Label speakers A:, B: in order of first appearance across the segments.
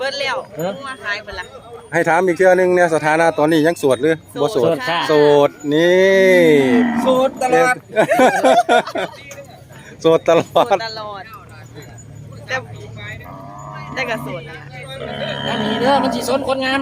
A: บิดแล้วมาขายเบิดละ
B: ให้ถามอีกเทื่อนึงเนี่ยสถานะตอนนี้ยังโสดหรือบ่โสดโสดนี่
C: โสดตลอด
B: โสดตลอด
A: แต่ก็โสด
C: อันนี้เด้อมันสิสนคนงาม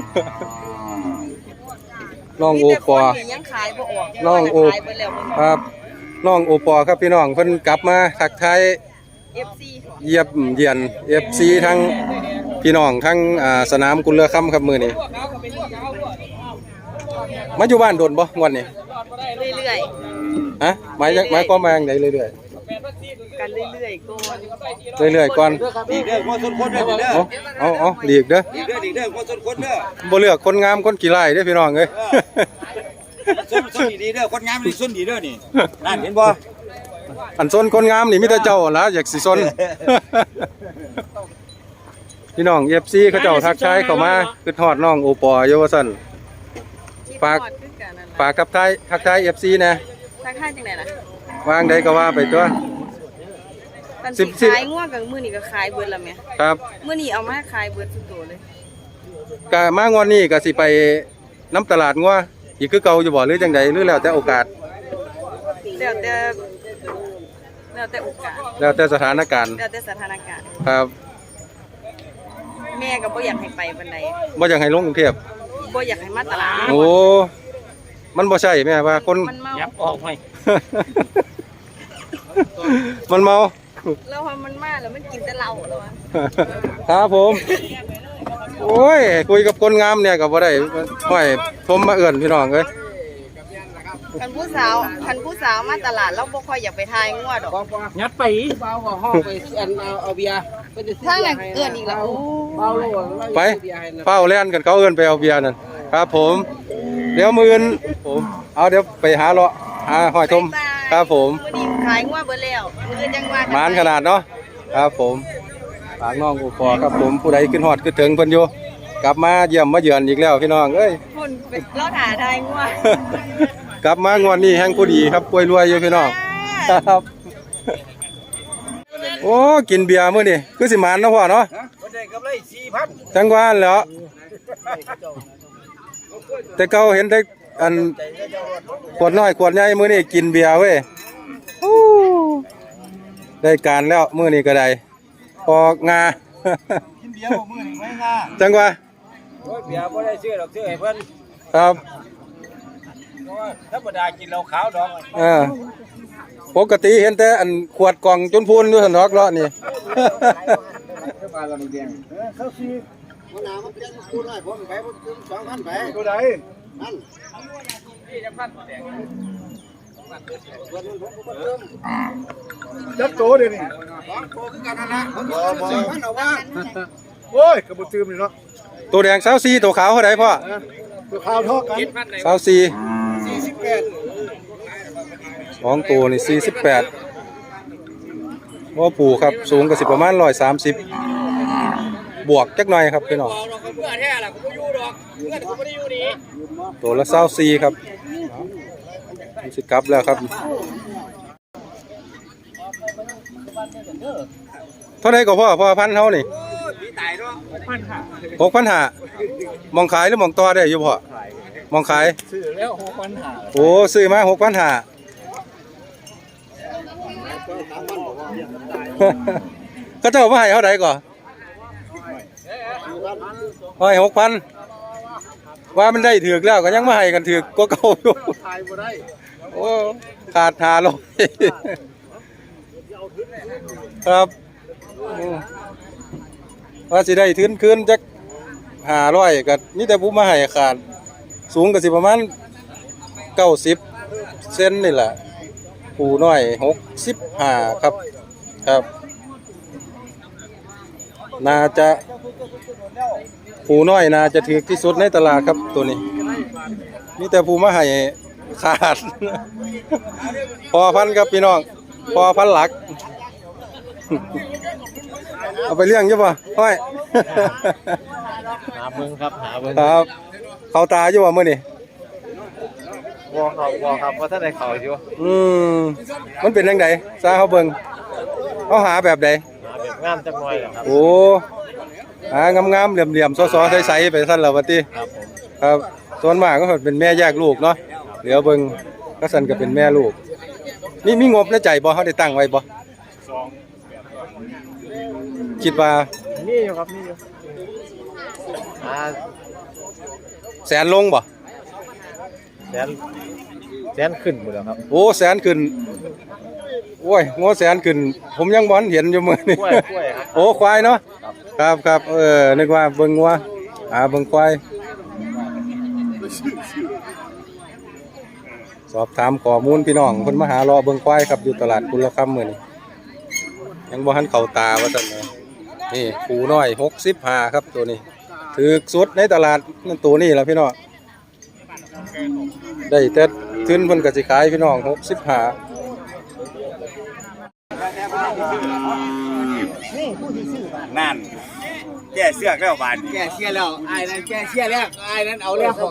B: น้องโอปอ
A: ยังขายบ่ออก
B: น้องโอครับน้องโอปอครับพี่น้องเพิ่นกลับมาทักทาย
A: FC
B: เยี่ยมเยียน FC ทั้งพี่น้องทั้งสนามกุลเรือค่ำครับมื้อนี้มาอยู่บ้านโดนบ่งวดนี้
A: เรื่อย
B: ๆฮะหมายความว่าจังได๋เรื่อย
A: ๆกันเรื่อยๆก่อน
B: เรื่อยๆก่อน
C: ดีเด้อบ่สนคนเด้อ
B: เอาหลีกเด้อ
C: ดีเด้อบ่สนคนเด้อ
B: บ่เลือกคนงามคนขี้ร้ายเด้อพี่น้องเอ้ย
C: ส้นดีเด้อคนงามนี่ส้นดีเด้อนี่นั่นเห็นบ่
B: อันส้นคนงามนี่มีแต่เจ้าล่ะอยากสิส้นพี่น้อง FC เขาเจ้าทักทายเข้ามาคือทอดน้องโอปออยู่ว่าซั่นฝากกับทักทาย FC นะ
A: ทักทายจังได๋ล่ะ
B: วางใดก็ว่าไปตัว
A: กันสิขายงัวกับมื้อนี้ก็ขายเบิดแล้วแม่
B: ครับ
A: มื้อนี้เอามาขายเบิดทุกตัวเลย
B: ก็มางวดนี้ก็สิไปน้ำตลาดงัวอีกคือเก่าอยู่บ่หรือจังใดหรือแล้วแต่โอกาส
A: แล้วแต่โอกาส
B: แล้วแต่สถานการณ์ครับ
A: แม่ก็บ่อยากให้ไปปานใด
B: บ่อยากให้ลงกรุงเทพ
A: บ่อยากให้มาตลาด
B: โอ้มันบ่ใช่แม่ว่าคน
C: ยับออกให้
B: มันเมา
A: แล้วพอมันมาแล้วมันกินแต่เหล้าแล้ว
B: ครับผมโอ้ยคุยกับคนงามเนี่ยก็บ่ได้ห้อยผมมาเอื้อนพี่น้องเอ้ย
A: คันผู้สาวมาตลาดเราบ่ค่อยอยากไปทายงัวดอก
C: ยัดไปเบาก็ห้องไปเอาเบียร์
A: ถ้าอย่างเอื้อนอีกแล้ว
B: ไปเฝ้าแล่นกันเขาเอื้อนไปเอาเบียร์นั่นครับผมเดี๋ยวมื้ออื่นผมเอาเดี๋ยวไปหาเลาะหาห้อยทมครับผม
A: มื้อนี้ขายงัวเบิดแล้วมื้อจังว่า
B: หมานขนาดเนาะครับผมฝากน้องอุปอครับผมผู้ใดขึ้นฮอดขึ้นถึงเพิ่นอยู่กลับมาเยี่ยมมาเยือนอีกแล้วพี่น้องเอ้ย
A: พุ่นไปเลาะหาทายงัว
B: กลับมางวดนี้แห่งผู้ดีครับป่วยรวยอยู่พี่น้องครับโอ้กินเบียร์มื้อนี้คือสิหมานเนาะพ่อเนาะ
C: ได้กำไร 4,000
B: จังหวะแล้วแต่เก่าเห็นได้อันขวดน้อยขวดใหญ่มื้อนี้กินเบียร์เว้ยได้การแล้วมื้อนี้ก็ได้ออกงา
C: กินเบียร์บ่มื้อนี้ไม่งา
B: จังหวะ
C: โอ้ยเบียร์บ่ได้ซื้อดอกซื้อให้เพิ่น
B: ครับ
C: ธรรมดากินเหล้าขาวดอก
B: ปกติเห็นแต่อันขวดกล่องจนพูนอยู่ซั่นดอกเลาะนี่
C: ปลาลำแดงเขาสิมันน่ะมันเป็นกูน้อยผมไปบ่ถึง 2,000 ไปตัวใดนั่นนี่จะพันแดงจักโตเดี๋ยวนี้2โตคือกันนั่นน่ะผม2,000เอาว่าโอ้ยก็บ่ตื่มนี่เนาะ
B: ตัวแดง24ตัวขาวเท่าใดพ่อ
C: ตัวขาวเท่ากัน
B: 24 2ตัวนี่48ว่าปู่ครับสูงก็สิประมาณ130บวกจักหน่อยครับพี่น้องตัวละ24ครับสิกลับแล้วครับเท่าไหร่ก็พ่อพันเท่านี่6,500มองขายหรือมองต่อได้อยู่พ่อมองขาย
C: ซื้อแล้ว6,500
B: โอ้ซื้อมา6,500ก็เจ้ามาให้เท่าไหร่ก่อนให้6,000ว่ามันได้ถือแล้วก็ยังมาให้กันถือก็เก่าอยู่โอ้ขาด500ครับว่าสิได้คืนจัก500ก็นี่แต่ผู้มาให้ขาดสูงก็สิประมาณ90เซนนี่แหละผู้น้อย65ครับครับน่าจะผู้น้อยน่าจะถือที่สุดในตลาดครับตัวนี้นี่แต่ผู้มาให้ขาดพอพันครับพี่น้องพอพันหลักเอาไปเลี้ยงใช่ป่ะห้อย
C: หาเบิ่งครับ
B: ครับเขาตาอยู่ว่ามื้อนี้
C: บ่ครับว่าท่านได้เข้าอยู่
B: มันเป็นจังได๋ซาเฮาเบิ่งเฮาหาแบบใด
C: หาแบบงามจักหน่อยครับ
B: โอ้งามๆเหลี่ยมๆซ้อๆใสๆไปซั่นแล้วว่าติครับส่วนมากก็เป็นแม่แยกลูกเนาะเดี๋ยวเบิ่งก็ซั่นก็เป็นแม่ลูกมีงบในใจบ่เฮาได้ตั้งไว้บ่คิดว่า
C: นี่อยู่ครับนี่อยู่
B: แสนลงบ่
C: แสนขึ้นหมดแล้วครับ
B: โอ้แสนขึ้นโอ้ยงอแสนขึ้นผมยังบ่เห็นอยู่มื้อนี้
C: กล้วยครับ
B: โอ้ควายเนาะครับนึกว่าเบิ่งงัวเบิ่งควายสอบถามข้อมูลพี่น้องเพิ่นมาหารอเบิ่งควายครับอยู่ตลาดกุลคำมื้อนี้ยังบ่ทันเข้าตาว่าซั่นเลยนี่ปูน้อย65ครับตัวนี้ถูกสุดในตลาดนั่นตัวนี้ล่ะพี่น้องได้แต่ทุนเพิ่นก็สิขายพี่น้อง65
D: นั่นแก้เสือกแล้วบาน
C: แกเชียร์แล้วไอ้นั้นแกเชียร์แล้วไอ้นั้นเอาแล้ว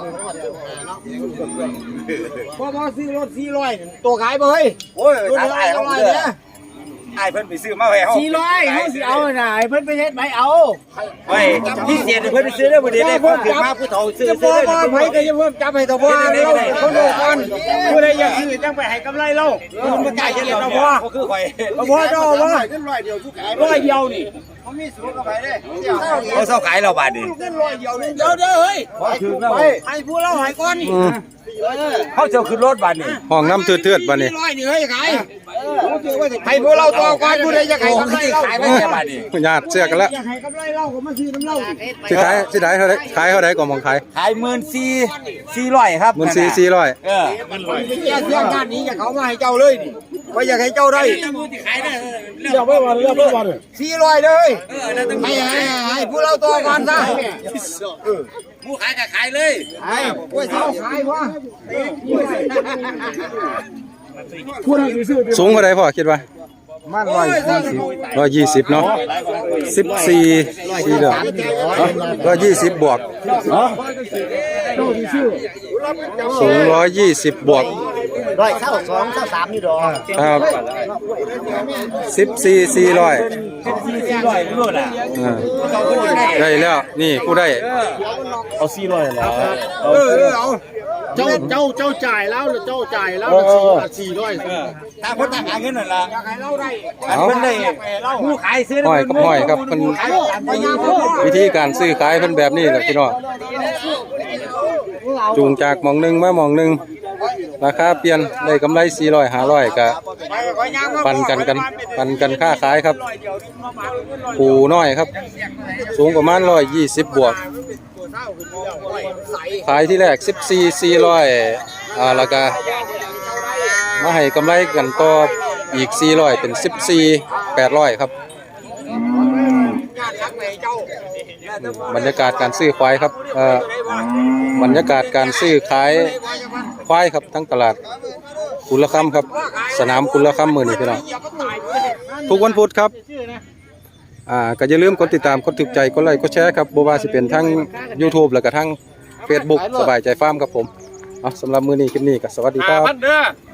C: พอซื้อรถ400ตัวขายบ่เฮ้ย
D: โอ้ยทางไอ้เขาเด้อไอ้เพิ่นไปซื้อมาไว้เฮา
C: 400เขาสิเอาน่ะไอ้เพิ่นไปเฮ็ดใบเอา
D: ไว้พี่เสียเพิ่นไปซื้อได้บ่ได้ได้คนขึ้นมาผู้เฒ่าซื้อ
C: จะบ่บ่ไผก็จะเพิ่มจับให้ตะบ่เราคนดูก่อนผู้ใดอยากซื้อจังไปให้กำไรเราคุณบ่กล้าเฮ็ดแล้วตะบ่
D: ก็คือข่อย
C: ตะบ่เจ้าบ่
D: เงิน100เดียวทุกขาย
C: 100เดียวนี่
D: เขามีสูงกับไปเด้เขาเซาขายแล้วบาดนี้
C: เงิน100เดียวนึงเด้อเฮ้ยให้ผู้เราให้ก่อน
D: เขาเจ้าขึ้นรถบาดนี้
B: ห้องน้ำเทือดๆบัดนี้
C: 100นี่เฮ้ยขายให้ผู้เราตัวก่อนผู้ใดอยากให้กำไรเรา
D: ขายไปแค่บาดนี้
B: ญาติเสื้อกันแล้ว
C: อยากให้กำไรเราก็มาซื้อน้ำเรา
B: สิขายเท่าใดขายเท่าใดก็มองขาย
D: ขาย14,400ครับ
B: 14,400
D: เออ
C: แก้เสียงงานนี้อยากเขามาให้เจ้าเลยนี่ว่าอยากให้เจ้าได้เรียกไว้วัน400เลยให้ผู้เราตัวก่อนซะ
D: ผู้ขายก็ขายเลย
C: ให้กล้วยเท้าขายพ่อ
B: สูงเท่าใดพ่อคิดว่า
C: มัน
B: 120เนาะ14เด้อ120บวกสูง120บวก
C: 122 นี่ดอก
B: ครับ14,400
D: นู่นน่ะ
B: ได้แล้วนี่ผู้ได้
C: เอาเจ้าจ่ายแล้วหรือเจ้าจ่ายแล้ว400
D: ถ้าคนต่างหาเงินนั่นล่ะ
C: อยากให้เราได้
B: เอา
D: เพิ่นได้ผู้ขายซื้อ
B: ห้อยกับห้อยครับมันวิธีการซื้อขายเพิ่นแบบนี้แหละพี่น้องจูงจากหม่องหนึงมาหม่องหนึงราคาเปลี่ยนได้กำไร400 500ก็ปันกันค่าขายครับปูน้อยครับ สูงประมาณ120บวกขายที่แรก14,400แล้วก็มาให้กำไรกันต่ออีก400เป็น14,800ครับบรรยากาศการซื้อควายครับบรรยากาศการซื้อขายควายครับทั้งตลาดกุลคำครับสนามกุลคำมื้อนี้พี่น้องทุกวันพุธครับก็อย่าลืมกดติดตามกดถูกใจกดไลค์กดแชร์ครับบ่ว่าสิเป็นทั้ง YouTube แล้วก็ทั้ง Facebook สบายใจฟาร์มครับผมเอาสำหรับมื้อนี้คลิปนี้ก็สวัสดีครับ